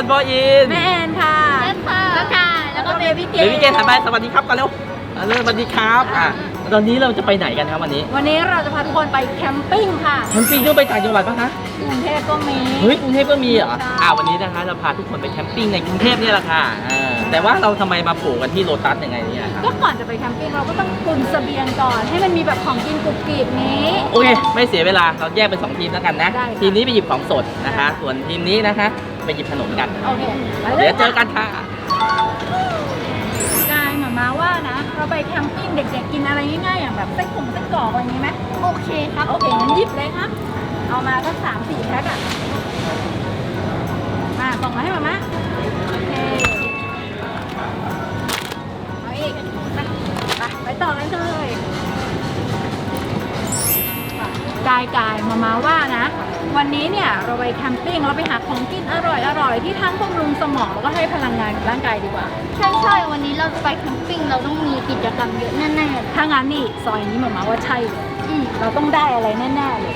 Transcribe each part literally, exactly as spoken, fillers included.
คนพ่ออินแม่แอนค่ะแม่ค่ะแล้วค่ะแล้วก็เบบี้เกนเบบี้เกนทำไปสวัสดีครับกันเร็วเริ่มสวัสดีครับอ่ะตอนนี้เราจะไปไหนกันครับวันนี้วันนี้เราจะพาทุกคนไปแคมปิ้งค่ะแคมปิ้งต้องไปต่างจังหวัดปะคะกรุงเทพก็มีเฮ้ยกรุงเทพก็มีเหรออ่าวันนี้นะคะเราพาทุกคนไปแคมปิ้งในกรุงเทพนี่แหละค่ะแต่ว่าเราทำไมมาปลูกกันที่โลตัสยังไงเนี่ยครับก็ก่อนจะไปแคมปิ้งเราก็ต้องตุนเสบียงก่อนให้มันมีแบบของกินกรุบกริบนี้โอเคไม่เสียเวลาเราแยกเป็นสองทีมแล้วกันนะทีมนี้ไปหยิบของสดนะคะส่วนทีมนี้นะคะไปหยิบขนมกันโอเคเดี๋ยวเจอกันค่ะกายหมามาว่านะเราไปแคมปิ้งเด็กๆกินอะไรง่ายๆอย่างแบบไส้กรอกไส้กรอกอะไรอย่างนี้ไหมโอเคครับโอเคงั้นหยิบเลยครับเอามาสักสามสี่แพ็คอะมาส่งมาให้หมามาโอเคเอาอีกไปไปต่อกันเลยกายกายมามาว่านะวันนี้เนี่ยเราไปแคมปิ้งเราไปหาของกินอร่อยอร่อยที่ทั้งบำรุงสมองแล้วก็ให้พลังงานกับร่างกายดีกว่าใช่ใช่วันนี้เราจะไปแคมปิ้งเราต้องมีกิจกรรมเยอะแน่ๆถ้างั้นนี่ซอยนี้มามาว่าใช่เลยเราต้องได้อะไรแน่ๆเลย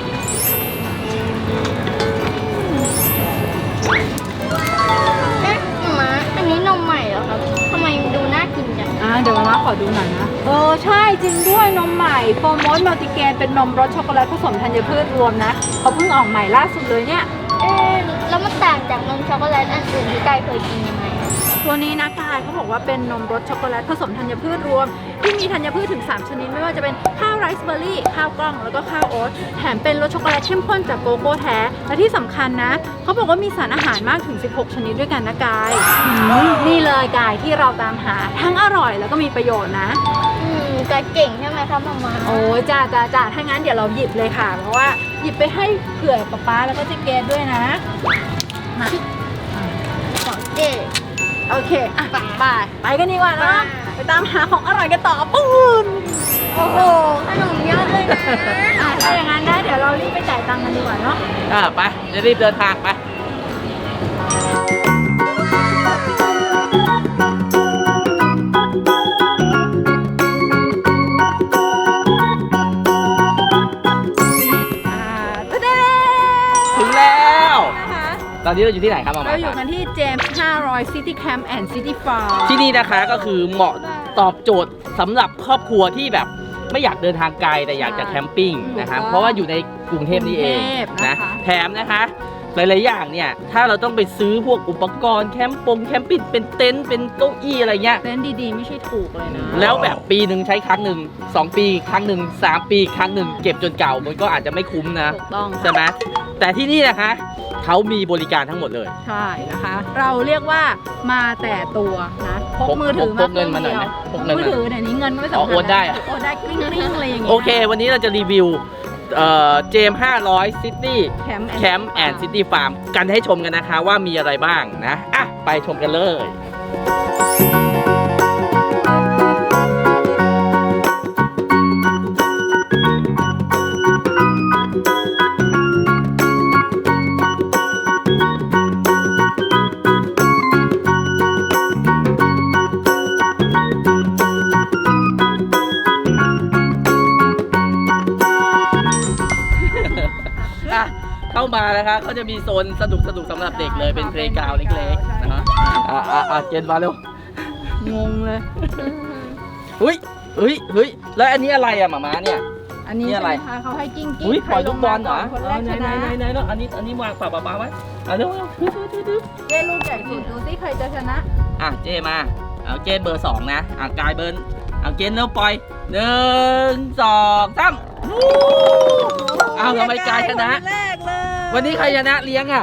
เอ๊ะมาอันนี้นมใหม่เหรอครับทำไมดูน่ากินจังอ่าเดี๋ยวมาขอดูหน่อยนะเออใช่จริงด้วยนมใหม่โฟร์โมสมัลติเกรนเป็นนมรสช็อกโกแลตผสมธัญพืชรวมนะเขาเพิ่งออกใหม่ล่าสุดเลยเนี่ยเอ๊ะแล้วมันต่างจากนมช็อกโกแลตอันอื่นที่กายเคยกินยังไงตัวนี้นะกายเขาบอกว่าเป็นนมรสช็อกโกแลตผสมธัญพืชรวมที่มีธัญพืชถึงสามชนิดไม่ว่าจะเป็นข้าวไรซ์เบอร์รี่ข้าวกล้องแล้วก็ข้าวโอ๊ตแถมเป็นรสช็อกโกแลตเข้มข้นจากโกโก้แท้และที่สำคัญนะเขาบอกว่ามีสารอาหารมากถึงสิบหกชนิดด้วยกันนะกายนี่เลยกายที่เราตามหาทั้งอร่อยแล้วก็มีประโยชน์นะอืมกายเก่งใช่ไหมคะมามาโอ้จ้าจ้าจ้าถ้างั้นเดี๋ยวเราหยิบเลยค่ะเพราะว่าหยิบไปให้เผื่อป๊าป๊าแล้วก็เจ๊เกดด้วยนะมาสองเจโอเคอ่ะไปไปกันดีกว่านะไปตามหาของอร่อยกันต่อปูนโอ้โหขนมเยอะเลยนะถ้าอย่างนั้นได้เดี๋ยวเรารีบไปจ่ายตังค์กันดีกว่าเนาะอ่าไปจะรีบเดินทางไปถึงแล้วตอนนี้เราอยู่ที่ไหนครับมาเราอยู่กันที่เจมส์ห้าร้อย City Camp and City Farm ที่นี่นะคะก็คือเหมาะตอบโจทย์สำหรับครอบครัวที่แบบไม่อยากเดินทางไกลแต่อยากจะแคมปิ้งนะคะเพราะว่าอยู่ในกรุงเทพนี่เองนะแถมนะคะหลายๆอย่างเนี่ยถ้าเราต้องไปซื้อพวกอุปกรณ์แคมป์ปงแคมปิ้งเป็นเต็นท์เป็นเก้าอี้อะไรเงี้ยเต็นท์ดีๆไม่ใช่ถูกเลยนะแล้วแบบปีหนึ่งใช้ครั้งหนึ่งสองปีครั้งหนึ่งสามปีครั้งหนึ่งเก็บจนเก่ามันก็อาจจะไม่คุ้มนะถูกต้องใช่ไหมแต่ที่นี่นะคะเขามีบริการทั้งหมดเลยใช่นะคะเราเรียกว่ามาแต่ตัวนะพกมือถือมาพกเงินมาหน่อยนะพกมือถือเดี๋ยวนี้เงินไม่สำคัญโอนได้อะโอนได้กลิ้งๆอะไรอย่างเงี้ยโอเควันนี้เราจะรีวิวเอ่อเจมห้าร้อยซิตี้แคมป์แอนด์ซิตี้ฟาร์มกันให้ชมกันนะคะว่ามีอะไรบ้างนะอ่ะไปชมกันเลยเข้ามานะคะเขาจะมีโซนสนุกสนุกสำหรับเด็กเลยเป็นเพลย์กราวด์เล็กๆนะฮะอ่าอ่าเจนมาเร็วงงเลยเฮ้ยเฮ้ยเฮ้ยแล้วอันนี้อะไรอะหมาม้าเนี่ยอันนี้อะไรคะเขาให้กิ้งกิ้งปล่อยลูกบอลเหรอคนแรกชนะไหนไหนแล้วอันนี้อันนี้วางฝาปลาไว้อ่ะเร็วเจ้ลูกใหญ่สุดดูสิใครจะชนะอ่ะเจมาเอาเจเบอร์สองนะอ่ะกายเบอร์เอาเจนแล้วปล่อยหนึ่งสองสามเอาทำไมกายชนะวันนี้ใครชนะเลี้ยงอ่ะ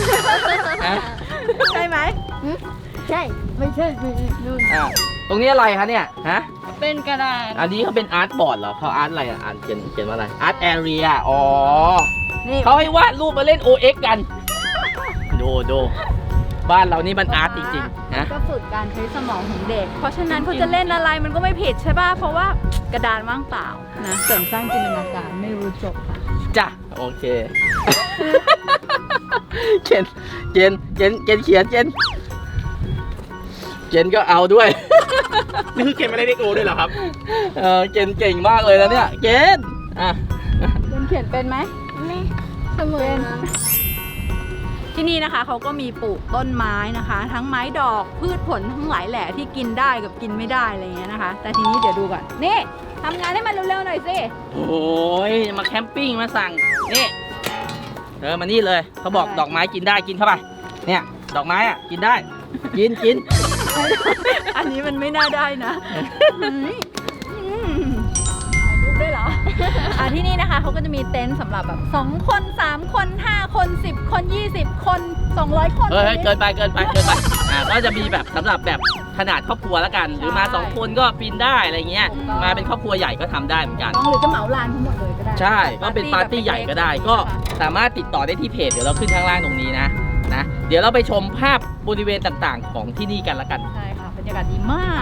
ใช่ไหมใช่ไม่ใช่ไม่นู่นอ่ะตรงนี้อะไรคะเนี่ยฮะเป็นกระดาษอันนี้เขาเป็นอาร์ตบอร์ดเหรอเขาอาร์ตอะไรอ่ะอ่านเขียนเขียนว่าอะไรอาร์ตแอเรียอ๋อเขาให้วาดรูปมาเล่น โอ เอ็กซ์ กันดูดูบ้านเรานี่มันอาร์ตจริงๆนะก็ฝึกการใช้สมองของเด็กเพราะฉะนั้นเขาจะเล่นอะไรมันก็ไม่ผิดใช่ป่ะเพราะว่ากระดานว่างเปล่านะเสริมสร้างจินตนาการไม่รู้จบค่ะจ้ะโอเคเจนเจนเจนเจนเขียนเจนเจนก็เอาด้วยนี่คือเกมอะไรเด็กโอด้วยเหรอครับเออเจนเก่งมากเลยนะเนี่ยเจนอ่ะเจนเขียนเป็นไหมไม่เสมอที่นี่นะคะเขาก็มีปลูกต้นไม้นะคะ ทั้งไม้ดอกพืชผลทั้งหลายแหล่ที่กินได้กับกินไม่ได้อะไรอย่างเงี้ยนะคะ แต่ทีนี้เดี๋ยวดูก่อนนี่ทำงานให้มันเร็วๆหน่อยสิโอ้ยมาแคมปิ้งมาสั่งนี่เออมานี่เลยเขาบอกดอกไม้กินได้กินเข้าไปเนี่ยดอกไม้อ่ะกินได้กินกินอันนี้มันไม่น่าได้นะเฮ้ยอืมถ่ายรูปด้วยเหรอ อ่ะที่นี่นะคะเขาก็จะมีเต็นท์สำหรับแบบสองคนสามคนห้าคนสิบคนยี่สิบคนสองร้อยคนเฮ้ยเกินไปเกินไปเกินไปอ่าก็จะมีแบบสำหรับแบบขนาดครอบครัวแล้วกัน หรือมาสองคนก็ปีนได้อะไรเงี้ยมาเป็นครอบครัวใหญ่ก็ทำได้เหมือนกันหรือจะเหมาลานทั้งหมดเลยก็ได้ใช่ก็เป็นปาร์ตี้ใหญ่ก็ได้ ก็สามารถติดต่อได้ที่เพจเดี๋ยวเราขึ้นข้างล่างตรงนี้นะนะเดี๋ยวเราไปชมภาพบริเวณต่างๆ ของที่นี่กันละกันใช่ค่ะบรรยากาศดีมาก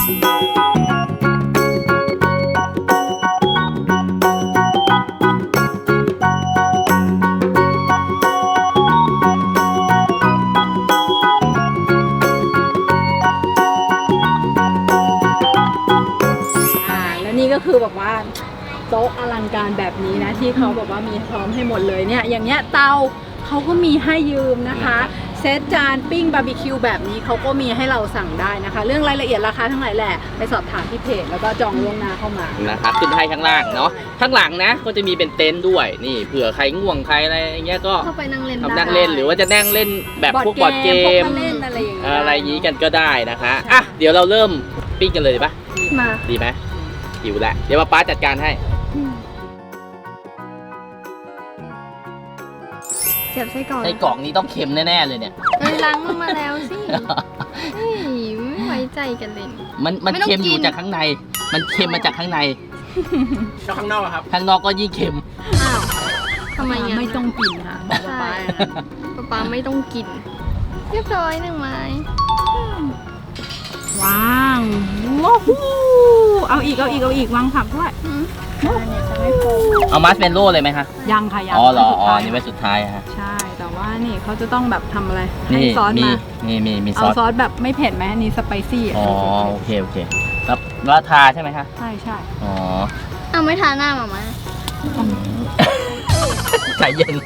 อ่าแล้วนี่ก็คือแบบว่าโต๊ะอลังการแบบนี้นะที่เขาแบบว่ามีพร้อมให้หมดเลยเนี่ยอย่างเงี้ยเตาเขาก็มีให้ยืมนะคะเซตจานปิ้งบาร์บีคิวแบบนี้เขาก็มีให้เราสั่งได้นะคะ เรื่องรายละเอียดราคาทั้งหลายแหละไปสอบถามที่เพจแล้วก็จองล่วงหน้าเข้ามานะครับขึ้นให้ข้างล่างเนาะข้างหลังนะก็จะมีเป็นเต็นท์ด้วยนี่เผื่อใครง่วงใครอะไรอย่างเงี้ยก็เข้าไปนั่งเล่นทำนั่งเล่นหรือว่าจะนั่งเล่นแบบพวกบอร์ดเกมพวกเล่นอะไรอย่างเงี้ยอะไรอย่างงี้กันก็ได้นะคะอ่ะเดี๋ยวเราเริ่มปิ้งกันเลยดีปะมาดีไหมหิวแล้วเดี๋ยวป้าจัดการให้เสียบไส้กรอกในกล่องนี้ต้องเค็มแน่ๆเลยเนี่ยเอ้ยล้างมันมาแล้วสิเฮ้ยไม่ไว้ใจกันเลยมันมันไม่ต้องเค็มอยู่กินจากข้างใน มันเค็มมาจากข้างในแล้วข้างนอกอะครับข้างนอกก็ยิ่งเค็มอ้าวทำไมอ่ะไม่ต้องกินค่ะบอกว่าไปป๊าป๊าไม่ต้องกิน เรียบร้อยหนึ่งไม้ว้าวว้าวเอาอีกเอาอีกเอาอีกวางผักด้วยอืมเอามัสเมนโล่เลยไหมคะยังค่ะยังอ๋อเหรอสุดอ๋อท้ายนี่ไว้สุดท้ายฮะใช่ แต่ว่านี่เขาจะต้องแบบทำอะไรให้นี่ซอสมีมามีมีมีซเอาอสซอสแบบไม่เผ็ดไหมอันนี้สไปซี่อ่ะอ๋อโอเคโอเคแล้วแล้วทาใช่ไหมคะใช่ใช่อ๋อเอาไม่ทาหน้ามามาใจเย็น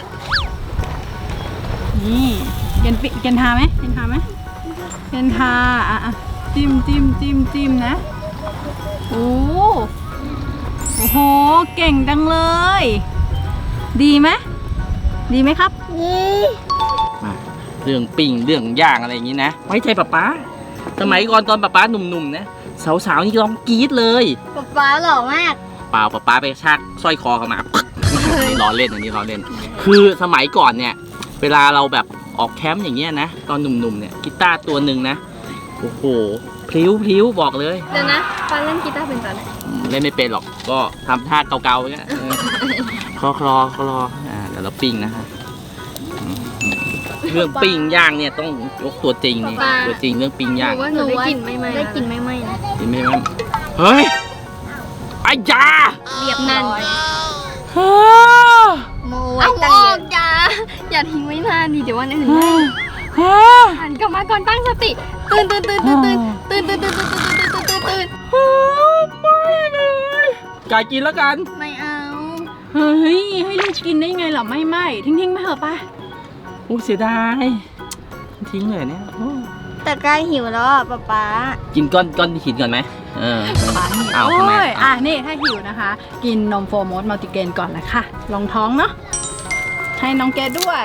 นี่เกนปิเกนทาไหมเกนทาไหมเกนทาอ่ะอ่ะจิ้มจิ้มจิ้มจิ้มนะโอ้โอ้โหเก่งจังเลย ดีไหมดีไหมครับนี่มาเรื่องปิ้งเรื่องย่างอะไรอย่างนี้นะไว้ใจป๊าป๊าสมัยก่อนตอนป๊าป๊าหนุ่มๆนะสาวๆนี่ร้องกรี๊ดเลยป๊าป๊าหล่อมากเปล่าป๊าป๊าไปชักสร้อยคอเข้ามา นี่ล้อเล่นอันนี้ล้อเล่น คือสมัยก่อนเนี่ยเวลาเราแบบออกแคมป์อย่างเงี้ยนะตอนหนุ่มๆเนี่ยกีตาร์ตัวหนึ่งนะโอ้โหพลิ้วพลิ้วบอกเลยเดี๋ยวนะป๊าเล่นกีตาร์เป็นตอนไหนเล่นไม่เป็นหรอกก็ทำท่าเกาๆอย่างเงี้ยเออคลอคลอคลออ่าเดี๋ยวเราปิ้งนะฮะอืมเรื่องปิ้งย่างเนี่ยต้องยกตัวจริงนี่ตัวจริงเรื่องปิ้งหย่างนูว่าหนูได้กลิ่นไม่ไหม้ได้กลิ่นไม่ไหม้นะเห็นไหมมันเฮ้ยไอ้ยาเรียบนั่นฮ่าโมไว้ตั้งเยอะอย่าอย่าทิ้งไว้นานดิเดี๋ยววันอื่นได้ฮ่าหันกลับมาก่อนตั้งสติตื่นตื่นตื่นตื่นตื่นตื่นตื่นตื่นตื่นตื่นตื่นตื่นตื่นไม่เลยไก่กินแล้วกันไม่เอาเฮ้ยให้ลูกกินได้ไงเหรอไม่ไม่ทิ้งทิ้งๆไปเถอะไปโอ้เสียดายทิ้งเลยเนี่ยโอ้แต่ใกล้หิวแล้วอ่ะป๊าป๊ากินก้อนก้อนหินก่อนไหมเออปานี่เอาโอ้ทำไมยอ่ะนี่ถ้าหิวนะคะ กินนมโฟร์โมสมัลติเกรนก่อนละค่ะลองท้องเนาะให้น้องเกดด้วย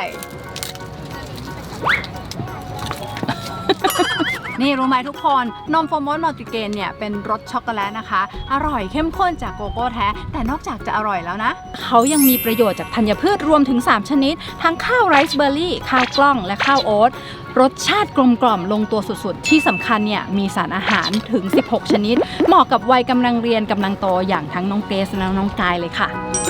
นี่รู้ไหมทุกคนนมโฟร์โมสมัลติเกรนเนี่ยเป็นรสช็อกโกแลตนะคะ อร่อยเข้มข้นจากโกโก้แท้ แต่นอกจากจะอร่อยแล้วนะ เขายังมีประโยชน์จากธัญพืชรวมถึง สาม ชนิด ทั้งข้าวไรซ์เบอร์รี่ ข้าวกล้องและข้าวโอ๊ตรสชาติกลมกล่อมลงตัวสุดๆ ที่สำคัญเนี่ยมีสารอาหารถึง สิบหก ชนิด เหมาะกับวัยกำลังเรียนกำลังโตอย่างทั้งน้องเกรซและน้องกายเลยค่ะ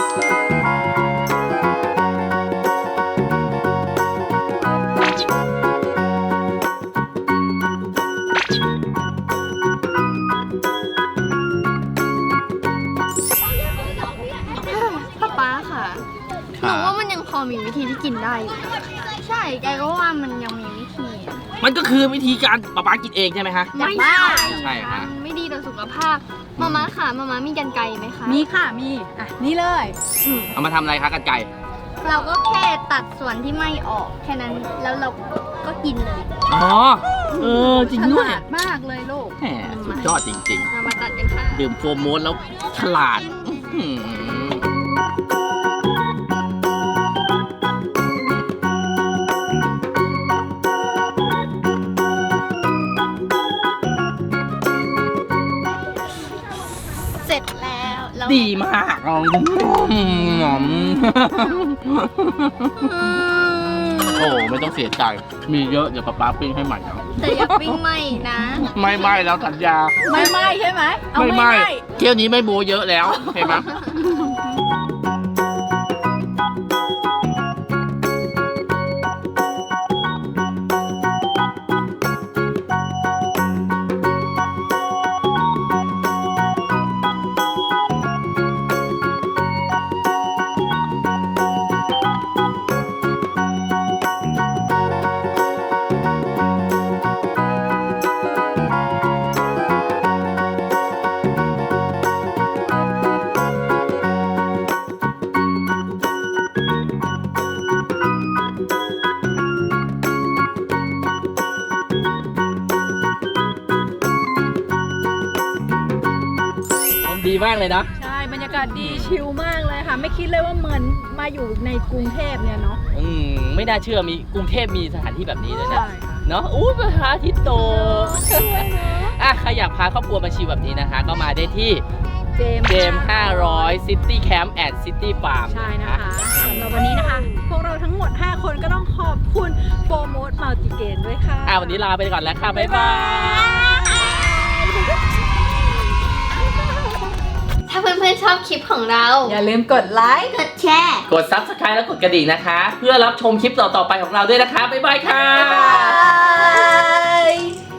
ป๊าป๊าค่ะหนูว่ามันยังพอมีวิธีที่กินได้อยู่นะใช่แกก็ว่ามันยังมีวิธีอะมันก็คือวิธีการป๊าป๊ากินเองใช่ไหมคะไม่ใช่ใช่ค่ะมันไม่ดีต่อสุขภาพมาม่าค่ะมาม่ามีกันไกรไหมคะมีค่ะมีอ่ะนี่เลยเอามาทำอะไรคะกันไก่ก็เราก็แค่ตัดส่วนที่ไม่ออกแค่นั้นแล้วเราก็กินเลยอ๋อ เออ จริงด้วยฉลาดมากเลยลูกแหมสุดยอดจริงเรามาตัดกันค่ะๆ ดื่มโฟร์โมสแล้วฉลาดอื้อหือเสร็จแล้วเราดีมากอ๋อโอ้ไม่ต้องเสียใจ มีเยอะเดี๋ยวป๊าป๊าปิ้งให้ใหม่นะแต่อย่าปิ้งไหมนะไม่ไม่แล้วสัญญาไม่ไหม้ใช่ไหมเอาไม่ไม่ไม่ไหม้เที่ยวนี้ไม่โบเยอะแล้วเห็นไหม ดีมากเลยนะใช่ บรรยากาศดีชิลมากเลยค่ะ ไม่คิดเลยว่าเหมือนมาอยู่ในกรุงเทพเนี่ยเนาะอืมไม่น่าเชื่อมีกรุงเทพมีสถานที่แบบนี้เลยนะใช่ค่ะเนาะอู้พระอาทิตย์โตอ่ะใครอยากพาครอบครัวมาชิลแบบนี้นะคะ ก็มาได้ที่เจมเจมห้าร้อย City Camp at City Farm ใช่นะคะสำหรับวันนี้นะคะ พวกเราทั้งหมด ห้า คนก็ต้องขอบคุณโฟร์โมดมัลติเกนด้วยค่ะอ่ะวันนี้ลาไปก่อนแล้วค่ะ บ๊ายบายถ้าเพื่อนๆชอบคลิปของเราอย่าลืมกดไลค์กดแชร์กด Subscribe และกดกระดิ่งนะคะ เพื่อรับชมคลิปต่อๆไปของเราด้วยนะคะ บ๊ายบายค่ะบ๊ายบาย